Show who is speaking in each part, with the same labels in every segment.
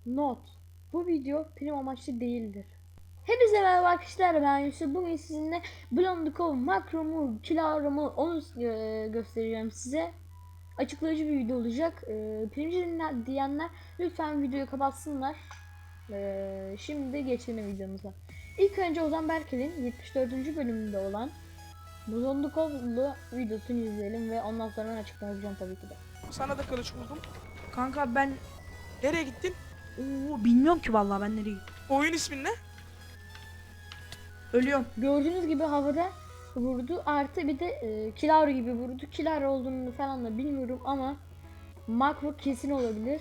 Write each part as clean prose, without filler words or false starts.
Speaker 1: Not: bu video prim amaçlı değildir. Hepinize merhaba arkadaşlar, ben Yusuf. Bugün sizinle Blondikov makromu, kilomu onu göstereceğim size. Açıklayıcı bir video olacak. Primci diyenler lütfen videoyu kapatsınlar. Şimdi geçelim videomuza. İlk önce Ozan Berkel'in 74. bölümünde olan Blondikov'lu videosunu izleyelim ve ondan sonra ben açıklama yapacağım tabii ki de.
Speaker 2: Sana da kılıç buldum.
Speaker 3: Kanka ben
Speaker 2: Nereye gittin?
Speaker 3: bilmiyorum ki vallahi ben nereye gittim.
Speaker 2: Oyun ismin ne?
Speaker 3: Ölüyorum.
Speaker 1: Gördüğünüz gibi havada vurdu, artı bir de Kilar gibi vurdu. Kilar olduğunu falan da bilmiyorum ama makro kesin olabilir.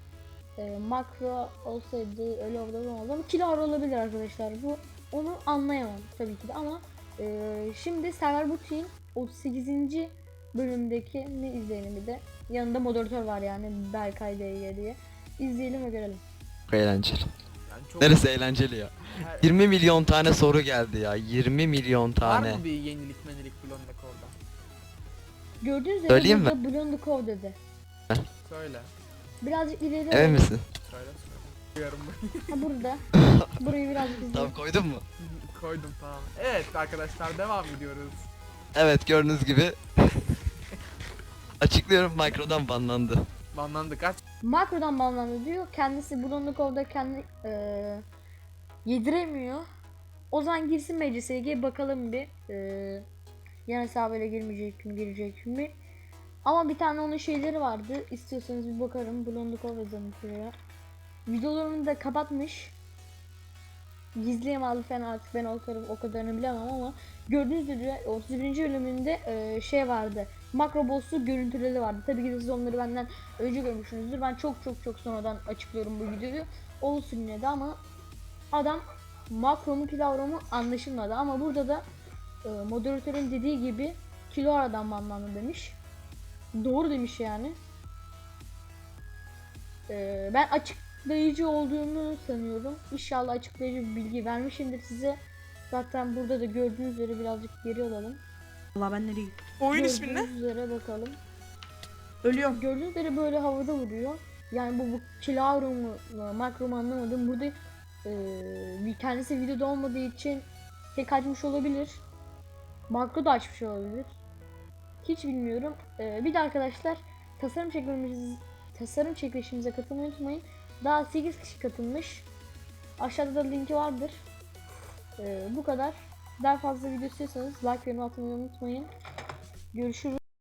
Speaker 1: Makro olsaydı öyle olmaz ama Kilar olabilir arkadaşlar. Bu onu anlayamam tabii ki de ama şimdi Server Butik'in 38. bölümdeki izleyelim bir de. Yanında moderatör var yani Berkay DG diye. İzleyelim ve görelim.
Speaker 4: Eğlenceli.
Speaker 2: Yani çok...
Speaker 4: Neresi eğlenceli ya?
Speaker 2: Her...
Speaker 4: 20 milyon tane soru geldi ya. 20 milyon
Speaker 2: Var
Speaker 4: tane.
Speaker 2: mı bir yenilik menilik Blondikov'da?
Speaker 1: Gördüğünüz üzere
Speaker 4: Söyleyeyim mi?
Speaker 1: burada Blondikov dedi.
Speaker 2: Söyle.
Speaker 1: Birazcık ileri
Speaker 4: Emin misin?
Speaker 2: Söyle. Duyarım ben.
Speaker 1: Ha, burada. Burayı birazcık izleyelim.
Speaker 4: Tamam, koydun mu?
Speaker 2: Koydum, tamam. Evet arkadaşlar, devam ediyoruz.
Speaker 4: Evet, gördüğünüz gibi. Açıklıyorum, Micro'dan banlandı.
Speaker 2: Banlandı kaç?
Speaker 1: Makrodan banlandı diyor. Kendisi Blondikov'da kendi yediremiyor. O zaman girsin MCSG'ye bakalım bir. Yan hesabıyla girmeyecek mi, girecek mi? Ama bir tane onun şeyleri vardı. İstiyorsanız bir bakarım. Blondikov yazalım şuraya. Videolarını da kapatmış. Gizliyem aldı falan, artık ben o kadarını bilemem ama gördüğünüz üzere 31. bölümünde şey vardı. Makro boss'u görüntüleri vardı. Tabii ki de siz onları benden önce görmüşsünüzdür. Ben çok sonradan açıklıyorum bu videoyu. Olsun yine de ama adam makromu kilavromu anlaşılmadı ama burada da moderatörün dediği gibi kilo aradan banlandı demiş. Doğru demiş yani. Ben açıklayıcı olduğunu sanıyorum. İnşallah açıklayıcı bir bilgi vermişimdir size. Zaten burada da gördüğünüz üzere birazcık geri alalım.
Speaker 3: Vallahi ben nereye gittim.
Speaker 2: Oyun ismin ne?
Speaker 1: Gördüğünüz üzere bakalım.
Speaker 3: Ölüyorum.
Speaker 1: Gördüğünüz üzere böyle havada vuruyor. Yani bu kilavro mu makro mu anlamadım. Burada kendisi videoda olmadığı için tek açmış olabilir. Makro da açmış olabilir. Hiç bilmiyorum. Bir de arkadaşlar tasarım çekilişimize katılmayı unutmayın. Daha 8 kişi katılmış. Aşağıda da linki vardır. Bu kadar. Daha fazla video istiyorsanız like ve yorum atmayı unutmayın. Görüşürüz.